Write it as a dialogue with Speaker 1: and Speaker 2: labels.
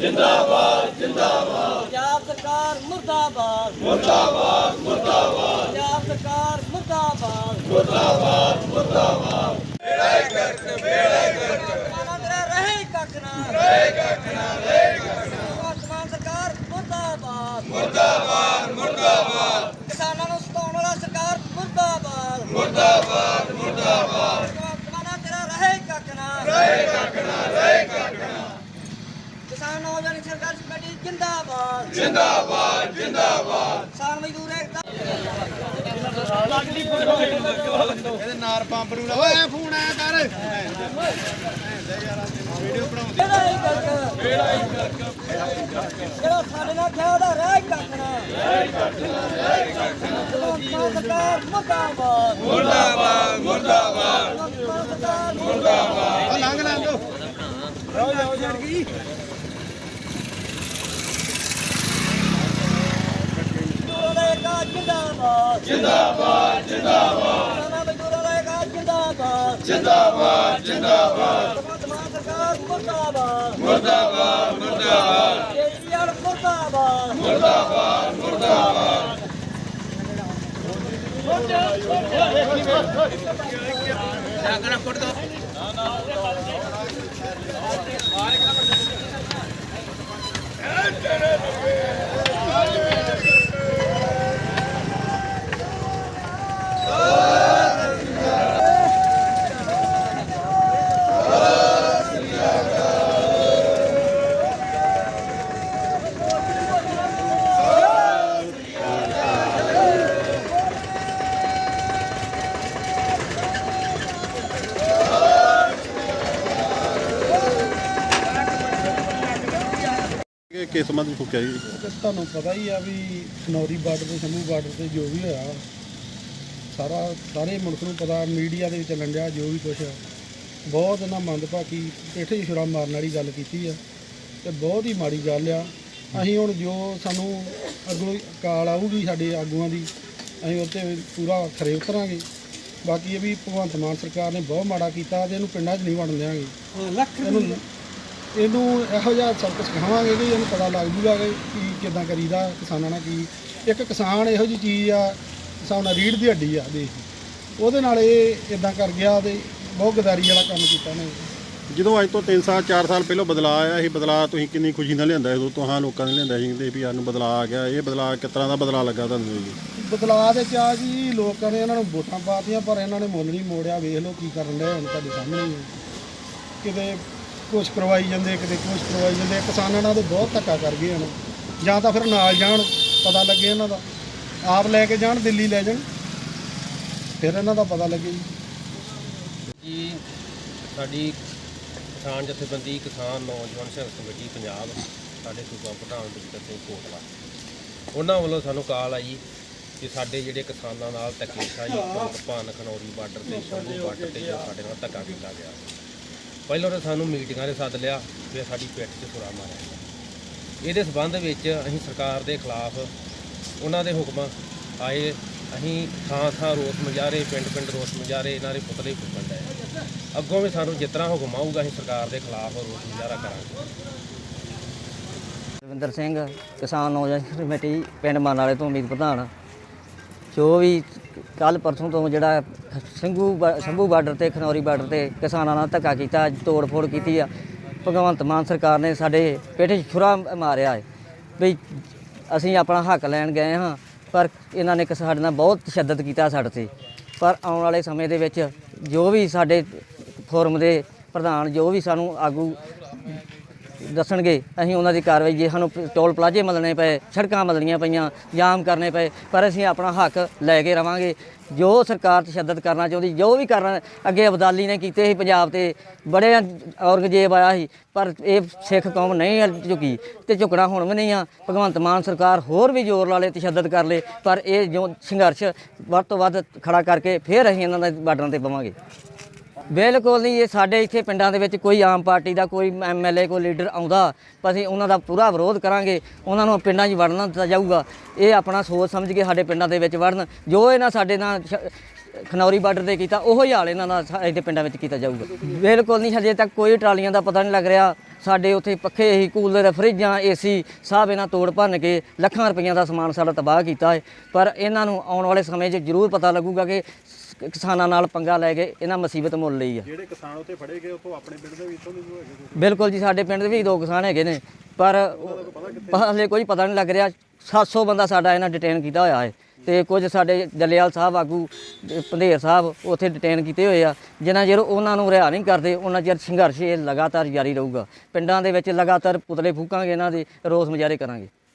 Speaker 1: जिंदाबाद जिंदाबाद
Speaker 2: पंजाब सरकार मुर्दाबाद
Speaker 1: मुर्दाबाद मुर्दाबाद
Speaker 2: पंजाब सरकार मुर्दाबाद
Speaker 1: मुर्दाबाद मुर्दाबाद
Speaker 2: माना तेरा रहे कखना वर्तमान सरकार मुर्दाबाद
Speaker 1: मुर्दाबाद मुर्दाबाद
Speaker 2: किसानों ਨੂੰ ਸਤਾਉਣ ਵਾਲਾ ਸਰਕਾਰ ਮੁਰਦਾਬਾਦ
Speaker 1: मुर्दाबाद मुर्दाबाद
Speaker 2: ਮਾਨਾ ਤੇਰਾ ਰਹੇ ਕਖਨਾ किसान नौजवान संघर्ष कमेटी जिंदाबाद
Speaker 1: जिंदाबाद जिंदाबाद
Speaker 2: किसान मजदूर एकता
Speaker 3: ਇਹਦੇ ਨਾਰ ਪੰਪ ਨੂੰ ਓਏ ਐ ਫੋਨ ਆਇਆ ਕਰ ਵੀਡੀਓ ਬਣਾਉਂਦੇ
Speaker 2: ਜਿਹੜਾ ਸਾਡੇ ਨਾਲ ਖਿਆ ਦਾ ਰਹਿ ਕੱਖਣਾ ਸਰਕਾਰ ਮੁਰਦਾਬਾਦ
Speaker 1: मुर्दाबाद मुर्दाबाद
Speaker 2: ਸਰਕਾਰ
Speaker 1: मुर्दाबाद
Speaker 3: ਆ ਲੰਘ ਲੰਘ ਜਾਓ ਜੜ ਗਈ
Speaker 2: ਮਜ਼ਦੂਰਾਂ ਦਾ ਏਕਾ ਜਿੰਦਾਬਾਦ
Speaker 1: जिंदाबाद जिंदाबाद
Speaker 2: ਕਿਸਾਨਾਂ ਮਜ਼ਦੂਰਾਂ ਦਾ ਏਕਾ ਜਿੰਦਾਬਾਦ
Speaker 1: जिंदाबाद जिंदाबाद
Speaker 2: वर्तमान सरकार मुर्दाबाद
Speaker 1: मुर्दाबाद मुर्दाबाद
Speaker 2: केजरीवाल मुर्दाबाद
Speaker 1: मुर्दाबाद मुर्दाबाद
Speaker 3: ਕਿਸ ਸੰਬੰਧ ਵਿੱਚ ਫੁੱਕਿਆ ਜੀ ਤੁਹਾਨੂੰ ਪਤਾ ਹੀ ਆ ਵੀ ਖਨੌਰੀ ਬਾਰਡਰ ਤੇ ਸ਼ੰਭੂ ਬਾਰਡਰ ਤੇ ਜੋ ਵੀ ਹੋਇਆ ਸਾਰੇ ਮੁਲਕ ਨੂੰ ਪਤਾ ਮੀਡੀਆ ਦੇ ਵਿੱਚ ਚੱਲਣ ਡਿਆ ਜੋ ਵੀ ਕੁਛ ਬਹੁਤ ਇਹਨਾਂ ਮੰਦਭਾਗੀ ਪੇਠੇ ਛੁਰਾ ਮਾਰਨ ਵਾਲੀ ਗੱਲ ਕੀਤੀ ਆ ਤੇ ਬਹੁਤ ਹੀ ਮਾੜੀ ਗੱਲ ਆ। ਅਸੀਂ ਹੁਣ ਜੋ ਸਾਨੂੰ ਅੱਗੋਂ ਕਾਲ ਆਊਗੀ ਸਾਡੇ ਆਗੂਆਂ ਦੀ ਅਸੀਂ ਉਹ 'ਤੇ ਪੂਰਾ ਖਰੇ ਉਤਰਾਂਗੇ। ਬਾਕੀ ਇਹ ਵੀ ਭਗਵੰਤ ਮਾਨ ਸਰਕਾਰ ਨੇ ਬਹੁਤ ਮਾੜਾ ਕੀਤਾ ਤੇ ਇਹਨੂੰ ਪਿੰਡਾਂ 'ਚ ਨਹੀਂ ਵੜਨ ਦਿਆਂਗੇ। ਇਹਨੂੰ ਇਹੋ ਜਿਹਾ ਸਬਕ ਸਿਖਾਵਾਂਗੇ ਕਿ ਇਹਨੂੰ ਪਤਾ ਲੱਗ ਜੂਗਾ ਕਿ ਕਿੱਦਾਂ ਕਰੀਦਾ ਕਿਸਾਨਾਂ ਨਾਲ ਕੀ। ਇੱਕ ਕਿਸਾਨ ਇਹੋ ਜਿਹੀ ਚੀਜ਼ ਆ ਹਿਸਾਬ ਨਾਲ ਰੀੜ੍ਹ ਦੀ ਹੱਡੀ ਆ ਦੇਸ਼ ਦੀ, ਉਹਦੇ ਨਾਲ ਇਹ ਇਦਾਂ ਕਰ ਗਿਆ ਤੇ ਬਹੁਤ ਗਦਾਰੀ ਵਾਲਾ ਕੰਮ ਕੀਤਾ ਨੇ।
Speaker 4: ਜਦੋਂ ਅੱਜ ਤੋਂ 3-4 ਸਾਲ ਪਹਿਲਾਂ ਬਦਲਾਅ ਆਇਆ ਸੀ, ਬਦਲਾਅ ਤੁਸੀਂ ਕਿੰਨੀ ਖੁਸ਼ੀ ਨਾਲ ਲਿਆਂਦਾ ਉਦੋਂ ਤੁਹਾਂ ਲੋਕਾਂ ਨੇ ਲਿਆਂਦਾ ਸੀ ਕਿ ਵੀ ਸਾਨੂੰ ਬਦਲਾਅ ਆ ਗਿਆ। ਇਹ ਬਦਲਾਅ ਕਿਸ ਤਰ੍ਹਾਂ ਦਾ ਬਦਲਾਅ ਲੱਗਾ ਤੁਹਾਨੂੰ ਜੀ?
Speaker 3: ਬਦਲਾਅ ਦੇ ਚਾਹ ਜੀ ਲੋਕਾਂ ਨੇ ਇਹਨਾਂ ਨੂੰ ਵੋਟਾਂ ਪਾਤੀਆਂ ਪਰ ਇਹਨਾਂ ਨੇ ਮੁੱਲ ਨਹੀਂ ਮੋੜਿਆ। ਵੇਖ ਲਓ ਕੀ ਕਰਨ ਡਏ ਹੁਣ ਤੁਹਾਡੇ ਸਾਹਮਣੇ ਹੀ। ਕਿਤੇ ਕੁਛ ਕਰਵਾਈ ਜਾਂਦੇ ਕਿਤੇ ਕੁਛ ਕਰਵਾਈ ਜਾਂਦੇ। ਕਿਸਾਨਾਂ ਨਾਲ ਤਾਂ ਬਹੁਤ ਧੱਕਾ ਕਰ ਗਏ ਹਨ। ਜਾਂ ਤਾਂ ਫਿਰ ਨਾਲ ਜਾਣ ਪਤਾ ਲੱਗੇ ਇਹਨਾਂ ਦਾ, ਆਪ ਲੈ ਕੇ ਜਾਣ ਦਿੱਲੀ ਲੈ ਜਾਣ ਫਿਰ ਇਹਨਾਂ ਦਾ ਪਤਾ ਲੱਗੇ
Speaker 5: ਜੀ। ਸਾਡੀ ਕਿਸਾਨ ਜਥੇਬੰਦੀ ਕਿਸਾਨ ਨੌਜਵਾਨ ਸੰਘਰਸ਼ ਕਮੇਟੀ ਪੰਜਾਬ ਸਾਡੇ ਸੂਬਾ ਪ੍ਰਧਾਨ ਦਵਿੰਦਰ ਸਿੰਘ ਕੋਟਲਾ ਉਹਨਾਂ ਵੱਲੋਂ ਸਾਨੂੰ ਕਾਲ ਆਈ ਕਿ ਸਾਡੇ ਜਿਹੜੇ ਕਿਸਾਨਾਂ ਨਾਲ ਧੱਕੇਸ਼ਾਹੀ ਭਾਨ ਖਨੌਰੀ ਬਾਰਡਰ ਤੇ ਸ਼ੰਭੂ ਬਾਰਡਰ ਤੇ ਜੋ ਸਾਡੇ ਨਾਲ ਧੱਕਾ ਕੀਤਾ ਗਿਆ। ਪਹਿਲਾਂ ਤਾਂ ਸਾਨੂੰ ਮੀਟਿੰਗਾਂ 'ਤੇ ਸੱਦ ਲਿਆ, ਫਿਰ ਸਾਡੀ ਪਿੱਠ 'ਚ ਛੁਰਾ ਮਾਰਿਆ ਗਿਆ। ਇਹਦੇ ਸਬੰਧ ਵਿੱਚ ਅਸੀਂ ਸਰਕਾਰ ਦੇ ਖਿਲਾਫ ਉਹਨਾਂ ਦੇ ਹੁਕਮ ਆਏ। ਅਸੀਂ ਥਾਂ ਰੋਸ ਮੁਜ਼ਾਹਰੇ ਪਿੰਡ ਰੋਸ ਮੁਜ਼ਾਹਰੇ ਇਹਨਾਂ ਦੇ ਪੁਤਲੇ ਫੁੱਕਣ ਡਏ। ਅੱਗੋਂ ਵੀ ਸਾਨੂੰ ਜਿਸ ਤਰ੍ਹਾਂ ਹੁਕਮ ਆਊਗਾ ਅਸੀਂ ਸਰਕਾਰ ਦੇ ਖਿਲਾਫ ਰੋਸ ਮੁਜ਼ਾਹਰਾ ਕਰਾਂਗੇ।
Speaker 2: ਰਵਿੰਦਰ ਸਿੰਘ ਕਿਸਾਨ ਨੌਜਵਾਨ ਕਮੇਟੀ ਪਿੰਡ ਮਾਨ ਵਾਲੇ ਤੋਂ ਉਮੀਦ ਪ੍ਰਧਾਨ। ਜੋ ਵੀ ਕੱਲ ਪਰਸੋਂ ਤੋਂ ਜਿਹੜਾ ਸ਼ੰਭੂ ਬਾਰਡਰ ਤੇ ਖਨੌਰੀ ਬਾਰਡਰ ਤੇ ਕਿਸਾਨਾਂ ਨਾਲ ਧੱਕਾ ਕੀਤਾ, ਤੋੜ ਫੋੜ ਕੀਤੀ ਆ, ਭਗਵੰਤ ਮਾਨ ਸਰਕਾਰ ਨੇ ਸਾਡੇ ਪੇਠੇ 'ਚ ਛੁਰਾ ਮਾਰਿਆ ਹੈ ਵੀ ਅਸੀਂ ਆਪਣਾ ਹੱਕ ਲੈਣ ਗਏ ਹਾਂ ਪਰ ਇਹਨਾਂ ਨੇ ਸਾਡੇ ਨਾਲ ਬਹੁਤ ਤਸ਼ੱਦਦ ਕੀਤਾ ਸਾਡੇ 'ਤੇ। ਪਰ ਆਉਣ ਵਾਲੇ ਸਮੇਂ ਦੇ ਵਿੱਚ ਜੋ ਵੀ ਸਾਡੇ ਫੋਰਮ ਦੇ ਪ੍ਰਧਾਨ ਜੋ ਵੀ ਸਾਨੂੰ ਆਗੂ ਦੱਸਣਗੇ ਅਸੀਂ ਉਹਨਾਂ ਦੀ ਕਾਰਵਾਈ। ਜੇ ਸਾਨੂੰ ਟੋਲ ਪਲਾਜ਼ੇ ਮੱਲਣੇ ਪਏ, ਸੜਕਾਂ ਮੱਲਣੀਆਂ ਪਈਆਂ, ਜਾਮ ਕਰਨੇ ਪਏ, ਪਰ ਅਸੀਂ ਆਪਣਾ ਹੱਕ ਲੈ ਕੇ ਰਵਾਂਗੇ। ਜੋ ਸਰਕਾਰ ਤਸ਼ੱਦਦ ਕਰਨਾ ਚਾਹੁੰਦੀ, ਜੋ ਵੀ ਕਰਨਾ, ਅੱਗੇ ਅਬਦਾਲੀ ਨੇ ਕੀਤੇ ਸੀ ਪੰਜਾਬ ਤੇ, ਬੜੇ ਔਰੰਗਜ਼ੇਬ ਆਇਆ ਸੀ ਪਰ ਇਹ ਸਿੱਖ ਕੌਮ ਨਹੀਂ ਝੁਕੀ ਤੇ ਝੁਕਣਾ ਹੁਣ ਵੀ ਨਹੀਂ ਆ। ਭਗਵੰਤ ਮਾਨ ਸਰਕਾਰ ਹੋਰ ਵੀ ਜ਼ੋਰ ਲਾ ਲੇ, ਤਸ਼ੱਦਦ ਕਰ ਲੇ, ਪਰ ਇਹ ਜੋ ਸੰਘਰਸ਼ ਵੱਧ ਤੋਂ ਵੱਧ ਖੜਾ ਕਰਕੇ ਫਿਰ ਅਸੀਂ ਇਹਨਾਂ ਦੇ ਬਾਰਡਰਾਂ ਤੇ ਪਵਾਂਗੇ। ਬਿਲਕੁਲ ਨਹੀਂ। ਇਹ ਸਾਡੇ ਇੱਥੇ ਪਿੰਡਾਂ ਦੇ ਵਿੱਚ ਕੋਈ ਆਮ ਪਾਰਟੀ ਦਾ ਕੋਈ MLA ਕੋਈ ਲੀਡਰ ਆਉਂਦਾ ਤਾਂ ਅਸੀਂ ਉਹਨਾਂ ਦਾ ਪੂਰਾ ਵਿਰੋਧ ਕਰਾਂਗੇ। ਉਹਨਾਂ ਨੂੰ ਪਿੰਡਾਂ 'ਚ ਵੜਨਾ ਦਿੱਤਾ ਜਾਊਗਾ। ਇਹ ਆਪਣਾ ਸੋਚ ਸਮਝ ਕੇ ਸਾਡੇ ਪਿੰਡਾਂ ਦੇ ਵਿੱਚ ਵੜਨ। ਜੋ ਇਹਨਾਂ ਸਾਡੇ ਨਾਲ ਖਨੌਰੀ ਬਾਰਡਰ ਤੇ ਕੀਤਾ ਉਹੋ ਹੀ ਹਾਲ ਇਹਨਾਂ ਦਾ ਇੱਥੇ ਪਿੰਡਾਂ ਵਿੱਚ ਕੀਤਾ ਜਾਊਗਾ। ਬਿਲਕੁਲ ਨਹੀਂ। ਹਜੇ ਤੱਕ ਕੋਈ ਟਰਾਲੀਆਂ ਦਾ ਪਤਾ ਨਹੀਂ ਲੱਗ ਰਿਹਾ। ਸਾਡੇ ਉੱਥੇ ਪੱਖੇ ਹੀ ਕੂਲਰ ਫਰਿੱਜਾਂ ਏਸੀ ਸਭ ਇਹਨਾਂ ਤੋੜ ਭੰਨ ਕੇ ਲੱਖਾਂ ਰੁਪਈਆਂ ਦਾ ਸਮਾਨ ਸਾਡਾ ਤਬਾਹ ਕੀਤਾ ਹੈ। ਪਰ ਇਹਨਾਂ ਨੂੰ ਆਉਣ ਵਾਲੇ ਸਮੇਂ 'ਚ ਜ਼ਰੂਰ ਪਤਾ ਲੱਗੂਗਾ ਕਿ ਕਿਸਾਨਾਂ ਨਾਲ ਪੰਗਾ ਲੈ ਕੇ ਇਹਨਾਂ ਮੁਸੀਬਤ ਮੁੱਲ ਲਈ ਆ।
Speaker 4: ਜਿਹੜੇ ਕਿਸਾਨ ਉੱਥੇ ਫੜੇ ਗਏ ਉਤੋਂ ਆਪਣੇ ਪਿੰਡ ਦੇ ਵੀ ਇੱਥੋਂ ਦੇ ਵੀ ਹੈਗੇ
Speaker 2: ਬਿਲਕੁਲ ਜੀ, ਸਾਡੇ ਪਿੰਡ ਦੇ ਵੀ 2 ਕਿਸਾਨ ਹੈਗੇ ਨੇ, ਪਰ ਹਲੇ ਕੋਈ ਪਤਾ ਨਹੀਂ ਲੱਗ ਰਿਹਾ। 700 ਬੰਦਾ ਸਾਡਾ ਇਹਨਾਂ ਡਿਟੇਨ ਕੀਤਾ ਹੋਇਆ ਹੈ ਤੇ ਕੁਝ ਸਾਡੇ ਜੱਲੇਵਾਲ ਸਾਹਿਬ ਆਗੂ ਪੰਧੇਰ ਸਾਹਿਬ ਉੱਥੇ ਡਿਟੇਨ ਕੀਤੇ ਹੋਏ ਆ। ਜਿੰਨਾ ਚਿਰ ਉਹਨਾਂ ਨੂੰ ਰਿਹਾ ਨਹੀਂ ਕਰਦੇ ਉਹਨਾਂ ਚਿਰ ਸੰਘਰਸ਼ ਇਹ ਲਗਾਤਾਰ ਜਾਰੀ ਰਹੂਗਾ। ਪਿੰਡਾਂ ਦੇ ਵਿੱਚ ਲਗਾਤਾਰ ਪੁਤਲੇ ਫੂਕਾਂਗੇ, ਇਹਨਾਂ ਦੇ ਰੋਸ ਮੁਜ਼ਾਹਰੇ ਕਰਾਂਗੇ।